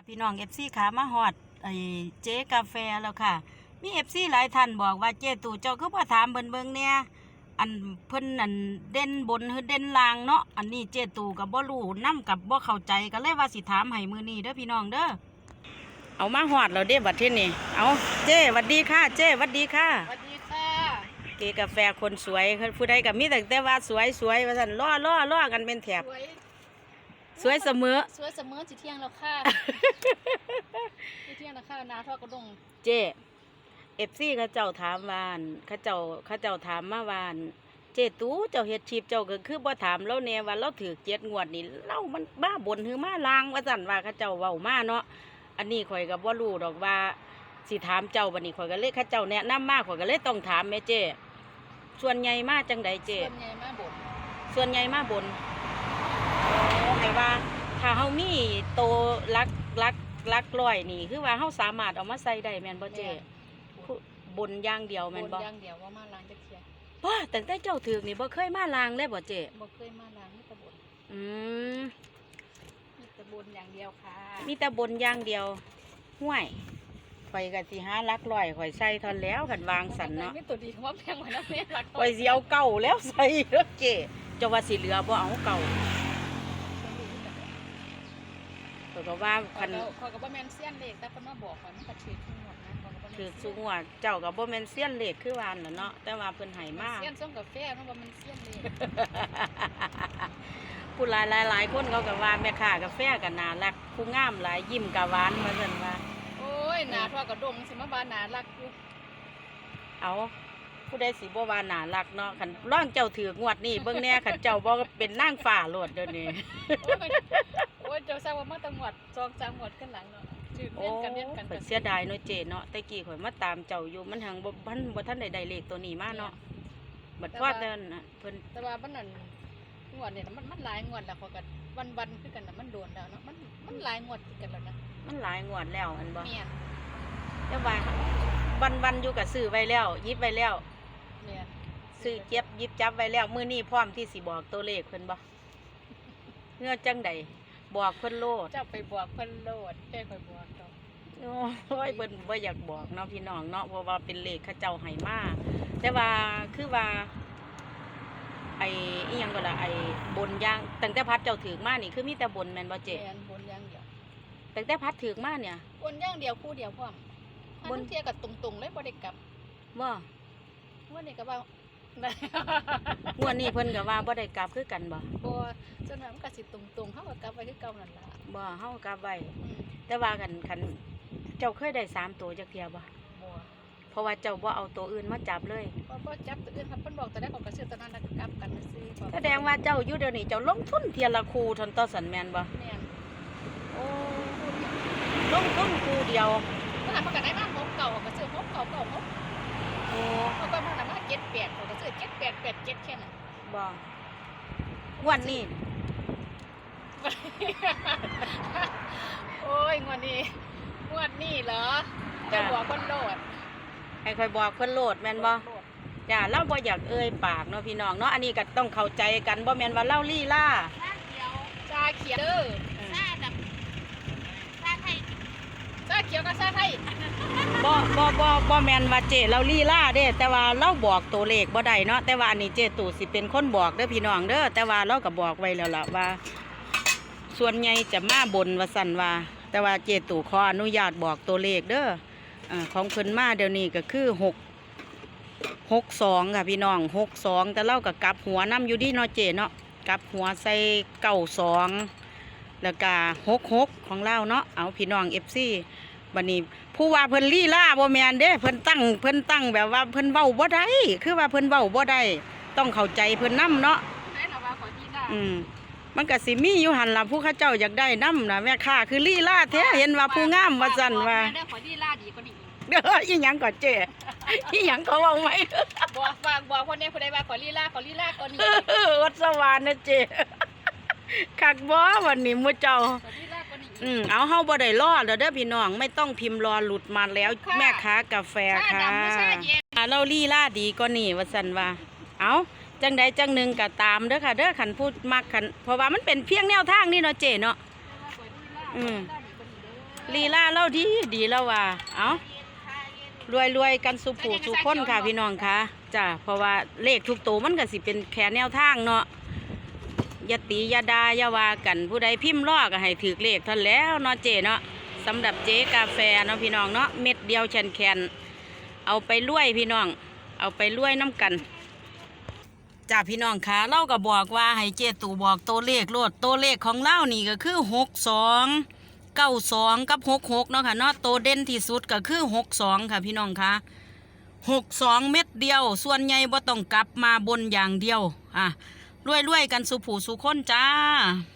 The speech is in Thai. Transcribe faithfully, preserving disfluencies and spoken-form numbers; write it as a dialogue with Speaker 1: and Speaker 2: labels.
Speaker 1: พี่น้องเอฟซีขามาฮอดไอ้เจ๊กาแฟแล้วค่ะมีเอฟซีหลายท่านบอกว่าเจ๊ตู่เจ้าคือบ่ถามเบิ่นเบิ่งเนี่ยอันเพิ่นอันเด่นบนหรือเด่นล่างเนาะอันนี้เจ๊ตู่กับบ่รู้นำกับบ่เข้าใจก็เลยว่าสิถามให้มื้อนี้เด้อพี่น้องเด้อเอามาฮอดแล้วเด้บัดทีนี้เอาเจ๊หวัดดีค่ะเจ๊หวัดดีค่ะ
Speaker 2: สวัสดีค่ะ
Speaker 1: เจ๊กาแฟคนสวยผู้ใดก็มีแต่แต่ว่าสวยสวยว่าซั่นล้อล้อล้อกันเป็นแถบ
Speaker 2: สวย
Speaker 1: สวยเสมอ
Speaker 2: สวยเสมอสิเที่ยงแล้วค่ะสิเที่ยงแล้วค่ะนาทอดกระดง
Speaker 1: เจเอฟซีเขาเจ้าถามวานเขาเจ้าเขาเจ้าถามมาวานเจตู้เจ้าเฮ็ดชีพเจ้าก็คือบ่ถามเราแน่ว่าเราถือเจ็ดงวดนี่เรามันบ้าบนหรือมาลางว่าซั่นว่าเขาเจ้าเว้ามาเนาะอันนี้ข่อยก็บ่รู้ดอกว่าสิถามเจ้าบัดนี้ข่อยก็เลยเขาเจ้าแนะนำมาข่อยก็เลยต้องถามแม่เจส่วนใหญ่มาจังไดเจ
Speaker 2: ส่วนใหญ่มาบ่น
Speaker 1: ส่วนใหญ่มาบนให้ว่าถ้าเฮามีโตลักลักลักร้อยนี่คือว่าเฮาสามารถเอามาใส่ได้แม่นบ่เจ๊บนอย่างเดียวแม่นบ่
Speaker 2: บนอย่างเดียวว่ามาล้างจักเที่ย
Speaker 1: ว้าตั้งแต่เจ้าถึกนี่บ่เคยมาล้างเลยบ่เจ๊
Speaker 2: บ่เคยมาล้างมีแต่บน
Speaker 1: อืม
Speaker 2: มีแต่บนอย่างเดียวค่ะ
Speaker 1: มีแต่บนอย่างเดียวห่วยข่อยก็สิหาลักร้อยข่อยใส่ทอนแล้วคันวางสั่นเนาะ
Speaker 2: มีตัวดีว่าแพงกว่านั้นแม่รัก
Speaker 1: ข่อยสิเอาเก่าแล้วใส่เด้อเจ๊เจ้าว่าสิเหลือบ่เอาเก่าเขาก็ว่าคัน
Speaker 2: เขาก็บ่แม่นเสี้ยนเลขแต่เพิ่นมาบอกว่ามันก็ถือทุกงวดนะเขาก็บ่
Speaker 1: ถือทุกงวดเจ้าก็บ่แม่นเสี้ยนเลขคือว่านั่นเนาะแต่ว่าเพิ่นให้มา
Speaker 2: เสี้ยนส่งกาแฟมันบ่แม่นเสี้ยนเลข
Speaker 1: ผู้หลายหลายคนเขาก็ว่าแม่ค้ากาแฟก็น่ารักผู้งามหลายยิ้มก็หวานว่าซั่นว่า
Speaker 2: โอ้ยหน้าทอดกระดงสิมาบาน่ารักอยู่
Speaker 1: เอาผู้ใดสิบ่ว่าน่ารักเนาะคันร่องเจ้าถือกงวดนี้เบิ่งแน่คันเจ้าบ่เป็นนางฟ้าโลดเดี๋ยวนี้
Speaker 2: โอ้ยเจ้าทราบว่ามาตั้งหวัดสองสามหวัดขึ้นหลังเนาะชื่อเล่นกันเล่นกัน
Speaker 1: เสียดายเนาะเจเนาะแต่กี้ข่อยมาตามเจ้าอยู่มันหังบ่ทันบ่ทันได้ได้เลขตัวนี้มาเนาะบัดพอเดินน่ะเพิ่น
Speaker 2: แต่ว่ามันนั่นงวดเนี่ยมันมันหลายงวดแล้วเขาก็วันๆคือกันน่ะมันโดนแล้วเนาะมันมันหลายงวดคือกันแล้วนะ
Speaker 1: มันหลายงวดแล้วอันบ่
Speaker 2: แม่น
Speaker 1: แต่ว่าวันๆอยู่ก็ซื้อไว้แล้วหยิบไว้แล้ว
Speaker 2: แม่น
Speaker 1: ซื้อเก็บหยิบจับไว้แล้วมื้อนี้พร้อมที่สิบอกตัวเลขเพิ่นบ่เงื่อจังใดบอกเพิ่นโลด
Speaker 2: เจ้าไปบอกเพิ่นโลดแค่ค่อยบอกดอก
Speaker 1: โอ้ยเพิ่นบ่อยากบอกเนาะพี่น้องเนาะเพราะว่าเป็นเลขเขาเจ้าให้มาแต่ว่าคือว่าไอ้อีหยังก็ล่ะไอ้บนย่างตั้งแต่พัดเจ้าถือมานี่คือมีแต่บนแม่นบ่เจ๊
Speaker 2: แม่นบนอย่างเดียว
Speaker 1: ตั้งแต่พัดถือมาเนี่ย
Speaker 2: บนอย่างเดียวคู่เดียวพร้อมบนเที่ยก็ตรงๆเลยบ่ได้กลับ
Speaker 1: บ่
Speaker 2: งวดนี้ก็ว่า
Speaker 1: งวดนี้เพิ่นก็ว่าบ่ได้กลับคือกันบ่
Speaker 2: บ่จนว่ามันก็สิตรงๆเฮาก็กลับไว้คือเก่านั่นล่ะ
Speaker 1: บ่เฮากลับไว้แต่ว่าคันคันเจ้าเคยได้สามตัวจักเที่ยบ่
Speaker 2: บ่
Speaker 1: เพราะว่าเจ้าบ่เอาตัวอื่นมาจับเลย
Speaker 2: บ่บ่จับตัวอื่นครับเพิ่นบอกแต่ได้ของก็ซื้อตัวนั้นแล้วก็กลับกันซื้อ
Speaker 1: แสดงว่าเจ้าอยู่เดี๋ยวนี้เจ้าลงทุนเทียละคู่ทนต่อสันแม่นบ่
Speaker 2: แม่น
Speaker 1: โอ้ลงทุนคู่เดียว
Speaker 2: เมื่อหันมาก็ได้มาหกเก่าก็ซื้อหกเก่าเก่าหก
Speaker 1: โอ้
Speaker 2: เขาก็มาน่ะมาเจ็ดแปดเขาก็ซื้อเจ็ดแปดแปดเจ็ดแค่นั้น
Speaker 1: บ่งวดนี้
Speaker 2: โอ้ยงวดนี้งวดนี้เหรอจะบอกคนโลด
Speaker 1: ให้ค่อยบอกเพิ่นโลดแม่นบ่จ้าเราบ่อยากเอ่ยปากเนาะพี่น้องเนาะอันนี้ก็ต้องเข้าใจกันบ่แม่นว่าเล่าลี่ล่า
Speaker 2: ชาเขียวชาเขียวเด้อชาดำชาไทยชาเขียวกับชาไทย
Speaker 1: บ่บ่บ่บ่แม่นว่าเจเราลี่ล่าเด้แต่ว่าเราบอกตัวเลขบ่ได้เนาะแต่ว่าอันนี้เจตู่สิเป็นคนบอกเด้อพี่น้องเด้อแต่ว่าเราก็บอกไว้แล้วล่ะว่าส่วนใหญ่จะมาบนว่าซั่นว่าแต่ว่าเจตู่ขออนุญาตบอกตัวเลขเด้ออ่าของเพิ่นมาเดี๋ยวนี้ก็คือหกหกสองค่ะพี่น้องหกสองแต่เล่ากับกลับหัวน้ำอยู่ดีเนาะเจเนาะกลับหัวใส่เก้าสองแล้วก็หกหกของเล่าเนาะเอาพี่น้องเอฟซีบัดนี้ผู้ว่าเพิ่นลี่ล่าบ่แมนเด้เพิ่นตั้งเพิ่นตั้งแบบว่าเพิ่นเว้าบ่ได้คือว่าเพิ่นเว้าบ่ได้ต้องเข้าใจเพิ่นนำเนาะอืมมันก็สิมีอยู่หันล่ะผู้ข้าเจ้าอยากได้นำนะแม่ค้าคือลี่ล่าแท้เห็นว่าผู้งามว่าซั่นว่า
Speaker 2: ขอลี่ล่าดีกว่านี้
Speaker 1: เด้ออีหยังก่อนเจ๊อีหยังเขาเอาไหม
Speaker 2: บอกฝากบอกคนนี้คนใดว่าขอลีลาขอลีลาก่อนนี้
Speaker 1: วัดสวรรค์นะเจ๊คักบ่วันนี้มื้อเจ้าอืมเอาเฮาบ่ได้รอเด้อเด้อพี่น้องไม่ต้องพิมพ์รอหลุดมาแล้วแม่ค้ากาแฟค่ะเราลีลาดีกว่านี้ว่าซั่นว่าเอาจังใดจังหนึ่งก็ตามเด้อค่ะเด้อขันพูดมักขันเพราะว่ามันเป็นเพียงแนวทางนี่เนาะเจ๊เนาะอืมลีลาเล่าดีดีแล้วว่าเอารวยรวยๆกันสุผูสุคนค่ะพี่น้องค่ะจ้ะเพราะว่าเลขทุกตัวมันก็สิเป็นแค่แนวทางเนาะอย่าตีอย่าดาอย่าว่ากันผู้ใดพิมพ์ล้อก็ให้ถือเลขเท่านนแล้วเนาะเจเนาะสำหรับเจ๊กาแฟเนาะพี่น้องเนาะเม็ดเดียวแขนแขนๆเอาไปรวยพี่น้องเอาไปรวยน้ำกันจ้าพี่น้องค่ะเล่าก็บอกว่าให้เจตู่บอกตัวเลขโลดตัวเลขของเล่านี่ก็คือหกสองเก้าสองกับหกหกเนาะค่ะเนาะตัวเด่นที่สุดก็คือหกสองค่ะพี่น้องค่ะหกสองเม็ดเดียวส่วนใหญ่บ่ต้องกลับมาบนอย่างเดียวอ่ะรวยๆกันสุผูสุคนจ้า